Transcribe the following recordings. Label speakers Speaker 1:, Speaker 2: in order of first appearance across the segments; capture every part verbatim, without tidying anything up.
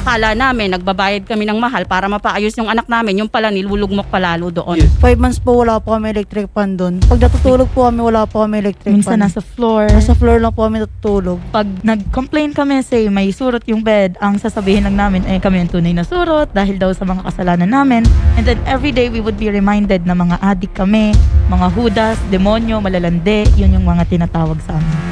Speaker 1: akala namin nagbabayad kami ng mahal para mapaayos yung anak namin, yung pala nilulugmok palalo doon.
Speaker 2: Yes.
Speaker 3: Five months po wala po kami electric fan doon. Pag natutulog po kami, wala po kami electric
Speaker 4: Minsan
Speaker 3: fan.
Speaker 4: nasa floor.
Speaker 3: Nasa floor lang po kami natutulog.
Speaker 4: Pag nag-complain kami, say may surot yung bed, ang sasabihin lang namin, eh kami yung tunay na surot dahil daw sa mga kasalanan namin. And then every day we would be reminded na mga adik kami, mga hudas, demonyo, malalande, yun yung mga tinatawag sa amin.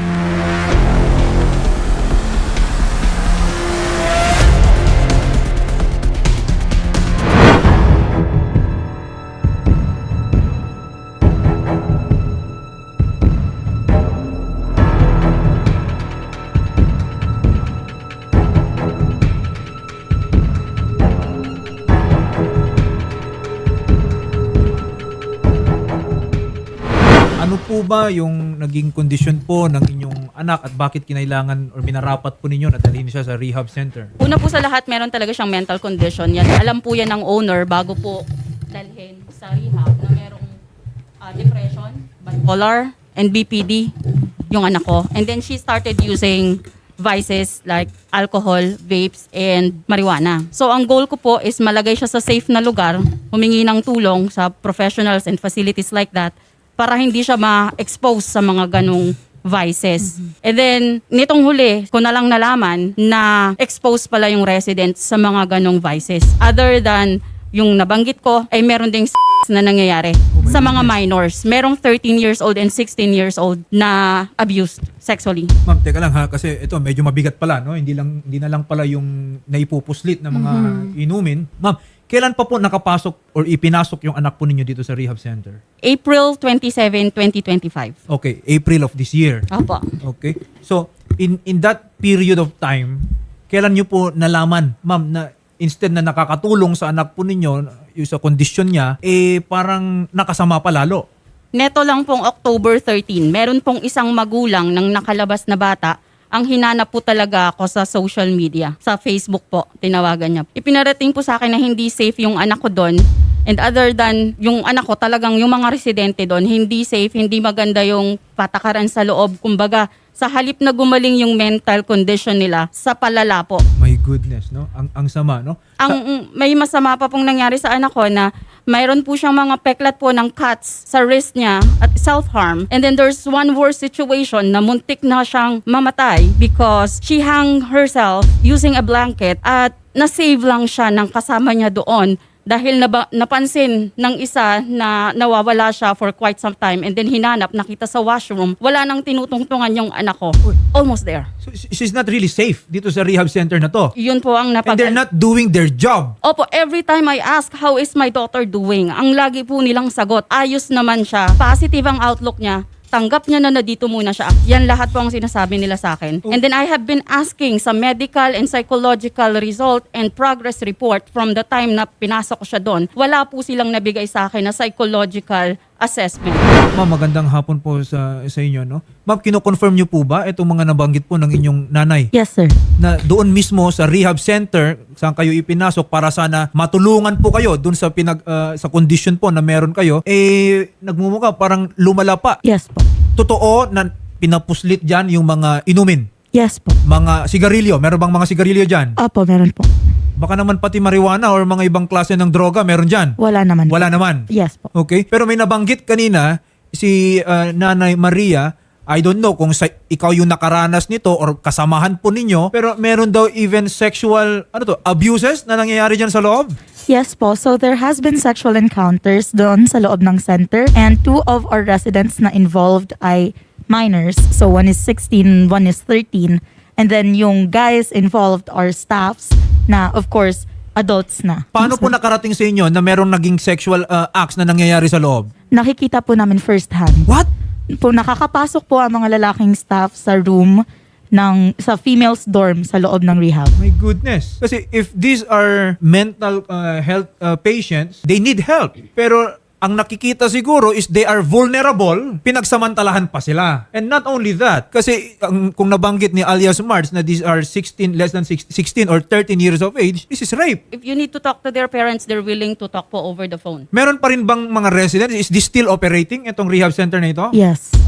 Speaker 2: Ano po ba yung naging kondisyon po ng inyong anak at bakit kinailangan or minarapat po ninyo na dalhin siya sa rehab center?
Speaker 1: Una po sa lahat, meron talaga siyang mental condition. Yan, alam po yan ng owner bago po dalhin sa rehab na merong ah, depression, bipolar, and B P D yung anak ko. And then she started using vices like alcohol, vapes, and marijuana. So ang goal ko po is malagay siya sa safe na lugar, humingi ng tulong sa professionals and facilities like that para hindi siya ma-expose sa mga ganong vices. And then, nitong huli, ko na lang nalaman na exposed pala yung residents sa mga ganong vices. Other than yung nabanggit ko, ay meron ding s*** na nangyayari
Speaker 2: my
Speaker 1: sa mga
Speaker 2: goodness.
Speaker 1: minors. Merong thirteen years old and sixteen years old na abused sexually.
Speaker 2: Ma'am, teka lang ha, kasi ito medyo mabigat pala, no? Hindi lang hindi na lang pala yung naipupuslit na mga inumin. Ma'am, kailan pa po nakapasok or ipinasok yung anak po ninyo dito sa rehab center?
Speaker 1: April twenty-seventh, twenty twenty-five.
Speaker 2: Okay, April of this year.
Speaker 1: Opo.
Speaker 2: Okay. So, in in that period of time, kailan nyo po nalaman, ma'am, na instead na nakakatulong sa anak po ninyo, yung sa kondisyon niya, eh parang nakasama pa lalo?
Speaker 1: Neto lang pong October thirteenth, meron pong isang magulang ng nakalabas na bata. Ang hinanap po talaga ako sa social media, sa Facebook po, tinawagan niya. Ipinarating po sa akin na hindi safe yung anak ko doon. And other than yung anak ko, talagang yung mga residente doon, hindi safe, hindi maganda yung patakaran sa loob. Kumbaga, sa halip na gumaling yung mental condition nila, sa palala po.
Speaker 2: My goodness, no? Ang ang sama, no?
Speaker 1: Ang may masama pa pong nangyari sa anak ko na mayroon po siyang mga peklat po ng cuts sa wrist niya at self-harm. And then there's one worse situation na muntik na siyang mamatay because she hung herself using a blanket at na-save lang siya ng kasama niya doon dahil naba, napansin ng isa na nawawala siya for quite some time and then hinanap, nakita sa washroom, wala nang tinutungtungan yung anak ko.
Speaker 2: Uy.
Speaker 1: Almost there.
Speaker 2: So, she's not really safe dito sa rehab center na to.
Speaker 1: Yun po ang
Speaker 2: And
Speaker 1: napag-
Speaker 2: they're not doing their job.
Speaker 1: Opo, every time I ask, how is my daughter doing? Ang lagi po nilang sagot, ayos naman siya. Positive ang outlook niya. Tanggap niya na na dito muna siya. Yan lahat po ang sinasabi nila sa akin. And then I have been asking sa medical and psychological result and progress report from the time na pinasok ko siya doon. Wala po silang nabigay sa akin na psychological assessment.
Speaker 2: Ma'am, magandang hapon po sa sa inyo, no? Ma'am, kino-confirm niyo po ba itong mga nabanggit po ng inyong nanay?
Speaker 4: Yes, sir.
Speaker 2: Na doon mismo sa rehab center saan kayo ipinasok para sana matulungan po kayo doon sa pinag ah, sa condition po na meron kayo, eh nagmumukha parang lumala pa.
Speaker 4: Yes po.
Speaker 2: Totoo na pinapuslit diyan yung mga inumin,
Speaker 4: Yes po.
Speaker 2: mga sigarilyo. Meron bang mga sigarilyo diyan?
Speaker 4: Opo, meron po.
Speaker 2: Baka naman pati marijuana or mga ibang klase ng droga meron diyan.
Speaker 4: Wala naman.
Speaker 2: Wala naman.
Speaker 4: Yes po.
Speaker 2: Okay? Pero may nabanggit kanina si ah, Nanay Maria. I don't know kung sa, ikaw yung nakaranas nito or kasamahan po ninyo, pero meron daw even sexual ano to, abuses na nangyayari diyan sa loob.
Speaker 4: Yes po. So there has been sexual encounters doon sa loob ng center and two of our residents na involved ay minors. So one is sixteen, one is thirteen. And then yung guys involved are staffs na of course adults na.
Speaker 2: Paano po nakarating sa inyo na merong naging sexual ah, acts na nangyayari sa loob?
Speaker 4: Nakikita po namin first hand.
Speaker 2: What?
Speaker 4: Po nakakapasok po ang mga lalaking staff sa room ng sa females dorm sa loob ng rehab.
Speaker 2: My goodness. Kasi if these are mental uh, health uh, patients, they need help. Pero ang nakikita siguro is they are vulnerable, pinagsamantalahan pa sila. And not only that, kasi ang, kung nabanggit ni alias Mars na these are sixteen, less than sixteen or thirteen years of age, this is rape.
Speaker 1: If you need to talk to their parents, they're willing to talk po over the phone.
Speaker 2: Meron pa rin bang mga residents? Is this still operating, itong rehab center na ito?
Speaker 4: Yes.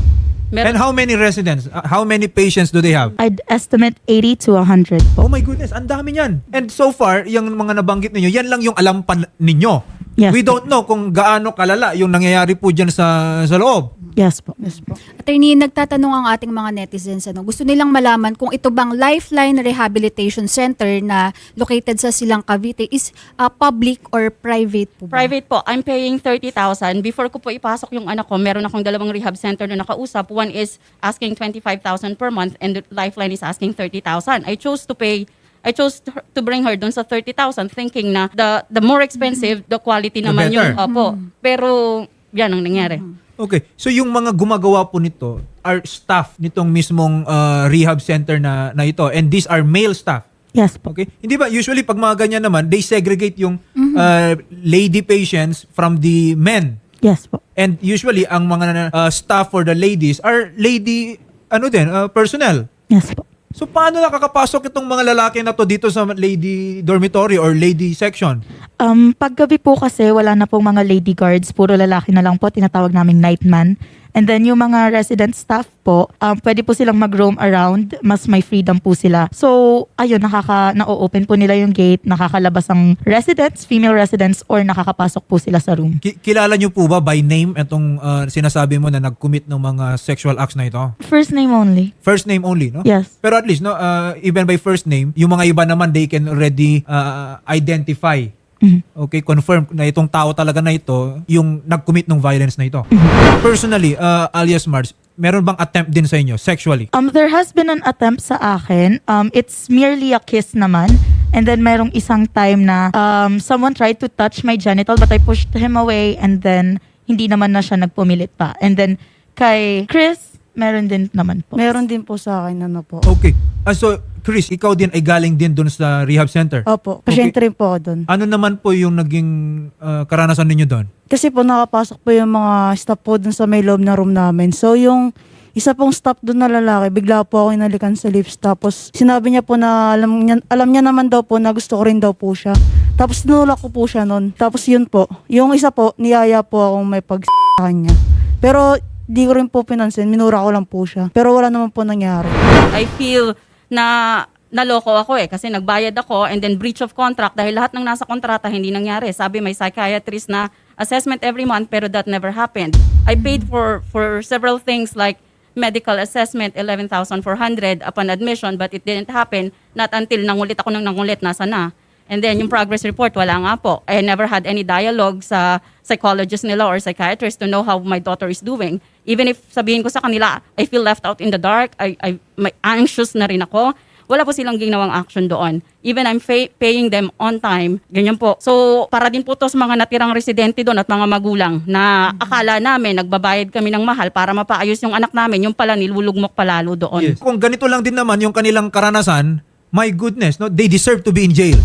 Speaker 1: Meron-
Speaker 2: And how many residents? Uh, how many patients do they have?
Speaker 4: I'd estimate eighty to one hundred
Speaker 2: Oh
Speaker 4: po.
Speaker 2: my goodness, ang dami niyan. And so far, yung mga nabanggit ninyo, yan lang yung alam pa ninyo.
Speaker 4: Yes
Speaker 2: We
Speaker 4: po.
Speaker 2: don't know kung gaano kalala yung nangyayari po dyan sa, sa loob.
Speaker 4: Yes po.
Speaker 3: Yes po.
Speaker 5: Attorney, nagtatanong ang ating mga netizens, ano, gusto nilang malaman kung ito bang Lifeline Rehabilitation Center na located sa Silang Cavite is uh, public or private po ba?
Speaker 1: Private po, I'm paying thirty thousand. Before ko po ipasok yung anak ko, meron akong dalawang rehab center na nakausap. One is asking twenty-five thousand per month and the Lifeline is asking thirty thousand. I chose to pay I chose to, to bring her dun sa thirty thousand thinking na the the more expensive, the quality
Speaker 2: The
Speaker 1: naman yung
Speaker 2: better.
Speaker 1: opo. Pero yan ang nangyari.
Speaker 2: Okay. So yung mga gumagawa po nito are staff nitong mismong uh, rehab center na, na ito. And these are male staff.
Speaker 4: Yes po.
Speaker 2: Okay? Hindi ba usually pag mga ganyan naman, they segregate yung uh, lady patients from the men.
Speaker 4: Yes po.
Speaker 2: And usually ang mga uh, staff for the ladies are lady ano din, uh, personnel.
Speaker 4: Yes po.
Speaker 2: So paano nakakapasok itong mga lalaki na to dito sa lady dormitory or lady section?
Speaker 4: Um, paggabi po kasi wala na pong mga lady guards, puro lalaki na lang po, tinatawag naming nightman. And then yung mga resident staff po, um, pwede po silang mag-roam around, mas may freedom po sila. So, ayun, nakaka, na-open po nila yung gate, nakakalabas ang residents, female residents, or nakakapasok po sila sa room.
Speaker 2: Ki- kilala niyo po ba by name itong uh, sinasabi mo na nag-commit ng mga sexual acts na ito?
Speaker 4: First name only.
Speaker 2: First name only, no?
Speaker 4: Yes.
Speaker 2: Pero at least, no, uh, even by first name, yung mga iba naman, they can already uh, identify.
Speaker 4: Mhm.
Speaker 2: Okay, confirm na itong tao talaga na ito, yung nag-commit ng violence na ito. Personally, uh, alias Mars, meron bang attempt din sa inyo sexually?
Speaker 4: Um, there has been an attempt sa akin. Um, it's merely a kiss naman. And then mayroong isang time na um, someone tried to touch my genital but I pushed him away and then hindi naman na siya nagpumilit pa. And then kay Chris, meron din naman po.
Speaker 3: Meron din po sa akin, ano po.
Speaker 2: Okay. Uh, so, Chris, ikaw din ay galing din dun sa rehab center.
Speaker 3: Opo,
Speaker 2: Okay.
Speaker 3: pasyente rin po ako doon.
Speaker 2: Ano naman po yung naging uh, karanasan ninyo doon?
Speaker 3: Kasi po nakapasok po yung mga staff po dun sa may loob na room namin. So yung isa pong staff doon na lalaki, bigla po ako inalikan sa lips. Tapos sinabi niya po na alam niya, alam niya naman daw po na gusto ko rin daw po siya. Tapos tinulak ko po siya noon. Tapos yun po, yung isa po, niyaya po akong may pag sa kanya. Pero di ko rin po pinansin, minura ko lang po siya. Pero wala naman po nangyari.
Speaker 1: I feel na naloko ako eh kasi nagbayad ako and then breach of contract dahil lahat ng nasa kontrata hindi nangyari. Sabi may psychiatrist na assessment every month pero that never happened. I paid for for several things like medical assessment eleven thousand four hundred upon admission but it didn't happen. Not until nangulit ako ng nangulit nasa na. And then yung progress report wala nga po. I never had any dialogue sa psychologist nila or psychiatrist to know how my daughter is doing. Even if sabihin ko sa kanila, I feel left out in the dark, I, I may anxious na rin ako. Wala po silang ginawang action doon. Even I'm fa- paying them on time. Ganyan po. So, para din po to sa mga natirang residente doon at mga magulang na akala namin nagbabayad kami ng mahal para mapaayos yung anak namin, yung pala nilulugmok palalo doon.
Speaker 2: Yes. Kung ganito lang din naman yung kanilang karanasan, my goodness, no, they deserve to be in jail.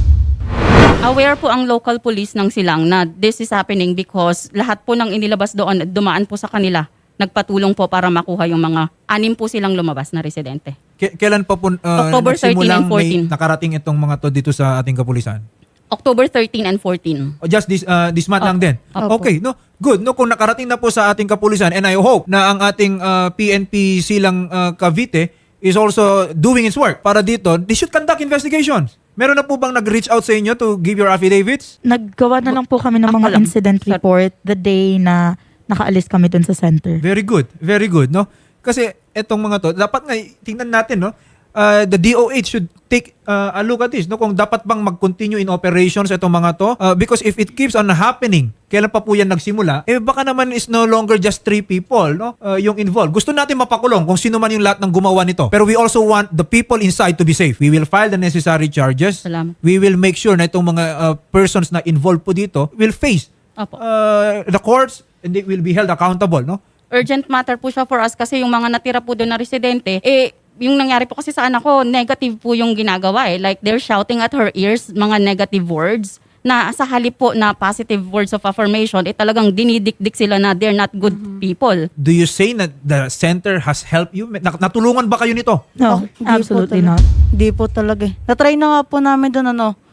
Speaker 1: Aware po ang local police ng Silang na this is happening because lahat po ng inilabas doon, dumaan po sa kanila. Nagpatulong po para makuha yung mga anim po silang lumabas na residente.
Speaker 2: K- kailan pa po uh,
Speaker 1: October thirteen
Speaker 2: nagsimulang
Speaker 1: and fourteen.
Speaker 2: may nakarating itong mga to dito sa ating kapulisan?
Speaker 1: October thirteen and fourteen.
Speaker 2: O just this uh, this month
Speaker 1: Opo.
Speaker 2: lang din.
Speaker 3: Opo.
Speaker 2: Okay, no. Good. No, kung nakarating na po sa ating kapulisan and I hope na ang ating uh, P N P Silang uh, Cavite is also doing its work para dito, they should conduct investigations. Meron na po bang nag-reach out sa inyo to give your affidavits?
Speaker 4: Naggawa na lang po kami ng
Speaker 1: Ako
Speaker 4: mga
Speaker 1: lang.
Speaker 4: incident
Speaker 1: Sorry.
Speaker 4: report the day na nakaalis kami dun sa center.
Speaker 2: Very good. Very good, no? Kasi etong mga to, dapat nga tingnan natin, no? Uh, the D O H should take uh, a look at this, no? Kung dapat bang mag-continue in operations itong mga to. Uh, because if it keeps on happening, kailan pa po yan nagsimula, eh baka naman is no longer just three people, no? Uh, yung involved. Gusto natin mapakulong kung sino man yung lahat ng gumawa nito. Pero we also want the people inside to be safe. We will file the necessary charges.
Speaker 1: Salamat.
Speaker 2: We will make sure na itong mga uh, persons na involved po dito will face
Speaker 1: Opo.
Speaker 2: uh, the courts and they will be held accountable, no?
Speaker 1: Urgent matter po siya for us kasi yung mga natira po doon na residente, eh, yung nangyari po kasi sa anak ko, negative po yung ginagawa eh. Like they're shouting at her ears, mga negative words, na sa halip po na positive words of affirmation, eh talagang dinidikdik sila na they're not good people.
Speaker 2: Do you say that the center has helped you? Nat- Natulungan ba kayo nito?
Speaker 4: No,
Speaker 3: Hindi po
Speaker 4: absolutely
Speaker 3: talaga.
Speaker 4: not.
Speaker 3: Hindi po talaga eh. Natry na nga po namin doon ano,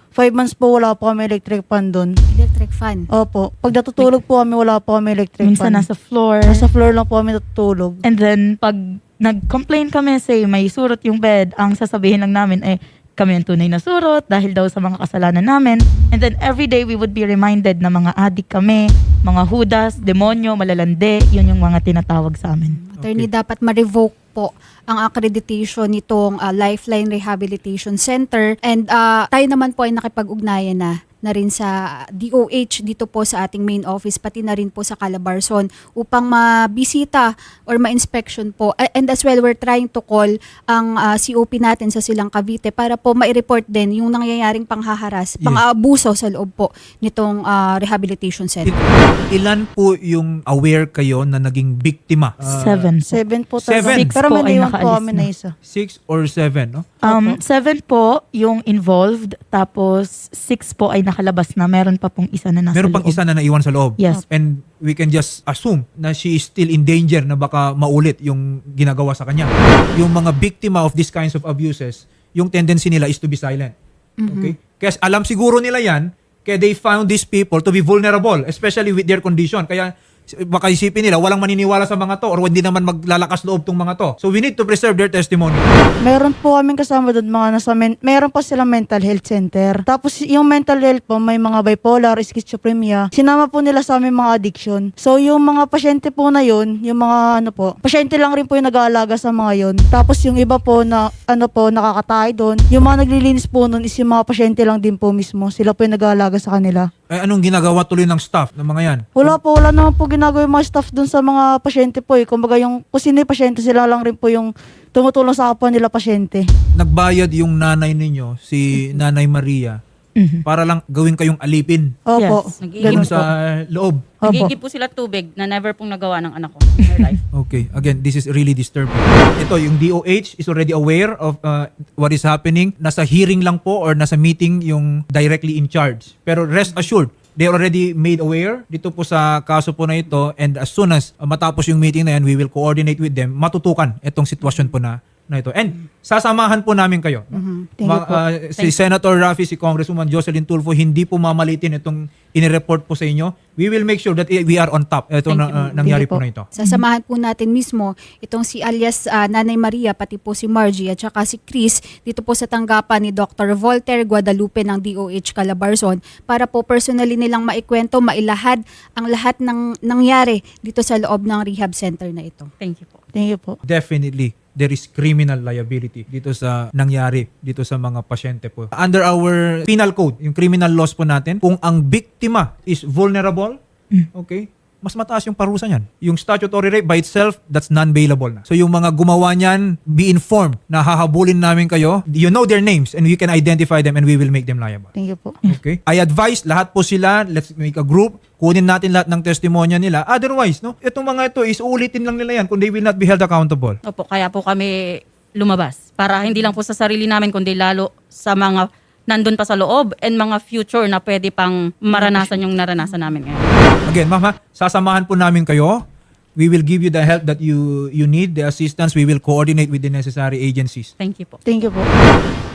Speaker 3: Five months po wala po kami electric fan doon.
Speaker 5: Electric fan.
Speaker 3: Opo. Pag natutulog po kami, wala po kami electric
Speaker 4: Minsan
Speaker 3: fan.
Speaker 4: nasa floor.
Speaker 3: Nasa floor lang po kami natutulog.
Speaker 4: And then, pag nag-complain kami, say may surot yung bed, ang sasabihin lang namin ay kami ang tunay na surot dahil daw sa mga kasalanan namin. And then every day we would be reminded na mga adik kami, mga hudas, demonyo, malalande, yun yung mga tinatawag sa amin.
Speaker 5: Attorney, dapat ma-revoke po ang accreditation nitong ah, Lifeline Rehabilitation Center. And ah, tayo naman po ay nakipag-ugnayan na na rin sa D O H dito po sa ating main office, pati na rin po sa Calabarzon upang mabisita or ma-inspection po. A- And as well, we're trying to call ang ah, C O P natin sa Silang Cavite para po ma-report din yung nangyayaring panghaharas,
Speaker 2: Yes.
Speaker 5: pang-aabuso sa loob po nitong ah, rehabilitation center.
Speaker 2: Ilan po yung aware kayo na naging biktima? Ah,
Speaker 4: Seven po.
Speaker 3: Seven po
Speaker 2: Seven.
Speaker 3: talaga.
Speaker 4: Six
Speaker 3: Pero
Speaker 4: po
Speaker 3: may
Speaker 4: ay
Speaker 3: naiwan po
Speaker 4: nakaalis
Speaker 3: kami
Speaker 4: na.
Speaker 3: na isa.
Speaker 2: Six or seven, no?
Speaker 4: Um, seven po yung involved, tapos six po ay nakalabas na. Meron pa pong isa na nasa
Speaker 2: Meron pang
Speaker 4: loob.
Speaker 2: isa na naiwan sa loob.
Speaker 4: Yes.
Speaker 2: And we can just assume na she is still in danger na baka maulit yung ginagawa sa kanya. Yung mga biktima of these kinds of abuses, yung tendency nila is to be silent. Okay? Kasi alam siguro nila yan, kaya they found these people to be vulnerable, especially with their condition. Kaya baka isipin nila, walang maniniwala sa mga to or hindi naman maglalakas loob tong mga to. So we need to preserve their testimony.
Speaker 3: Meron po kaming kasama doon mga nasa men- meron pa silang mental health center. Tapos yung mental health po may mga bipolar, schizophrenia. Sinama po nila sa aming mga addiction. So yung mga pasyente po na yun, yung mga ano po, pasyente lang rin po yung nag-aalaga sa mga yun. Tapos yung iba po na ano po nakakatay doon. Yung mga naglilinis po noon is yung mga pasyente lang din po mismo. Sila po yung nag-aalaga sa kanila.
Speaker 2: Eh, anong ginagawa tuloy ng staff ng mga yan?
Speaker 3: Wala po, wala naman po ginagawa yung mga staff dun sa mga pasyente po eh. Kumbaga yung, kung sino yung pasyente, sila lang rin po yung tumutulong sa kapwa nila pasyente.
Speaker 2: Nagbayad yung nanay ninyo, si Nanay Maria,
Speaker 4: Mhm.
Speaker 2: para lang gawin kayong alipin
Speaker 3: Opo.
Speaker 4: Yes.
Speaker 1: Nagiging
Speaker 3: Ganun
Speaker 2: dun
Speaker 3: po.
Speaker 2: sa loob.
Speaker 3: Opo.
Speaker 1: Nagigib po sila tubig na never pong nagawa ng anak ko in her life.
Speaker 2: Okay, again, this is really disturbing. Ito, yung D O H is already aware of uh, what is happening. Nasa hearing lang po or nasa meeting yung directly in charge. Pero rest assured, they already made aware dito po sa kaso po na ito, and as soon as uh, matapos yung meeting na yan, we will coordinate with them, matutukan itong sitwasyon po na na ito. And sasamahan po namin kayo. no?
Speaker 3: Thank you
Speaker 2: Ma-
Speaker 3: po.
Speaker 2: uh, si Senator Raffy, si Congresswoman Jocelyn Tulfo, hindi po mamalitin itong inireport po sa inyo. We will make sure that we are on top. Ito
Speaker 1: Thank
Speaker 2: na
Speaker 1: you.
Speaker 2: uh, nangyari
Speaker 3: Thank you
Speaker 2: po
Speaker 3: po.
Speaker 2: na ito.
Speaker 5: Sasamahan po natin mismo itong si alias ah, Nanay Maria, pati po si Margie at saka si Chris dito po sa tanggapan ni Doctor Voltaire Guadalupe ng D O H Calabarzon para po personally nilang maikwento, mailahad ang lahat ng nangyari dito sa loob ng rehab center na ito.
Speaker 1: Thank you po.
Speaker 3: Thank you po.
Speaker 2: Definitely there is criminal liability dito sa nangyari dito sa mga pasyente po. Under our penal code, yung criminal laws po natin, kung ang biktima is vulnerable, okay, mas mataas yung parusa niyan. Yung statutory rape by itself, that's non-bailable na. So yung mga gumawa niyan, be informed na hahabulin namin kayo. You know their names and we can identify them and we will make them liable.
Speaker 3: Thank you po.
Speaker 2: Okay? I advise lahat po sila, let's make a group, kunin natin lahat ng testimonya nila. Otherwise, no, itong mga ito is uulitin lang nila yan kung they will not be held accountable.
Speaker 1: Opo, kaya po kami lumabas. Para hindi lang po sa sarili namin, kundi lalo sa mga nandun pa sa loob and mga future na pwede pang maranasan yung naranasan namin ngayon.
Speaker 2: Again, ma'am, ha, sasamahan po namin kayo. We will give you the help that you you need, the assistance. We will coordinate with the necessary agencies.
Speaker 1: Thank you po.
Speaker 3: Thank you po.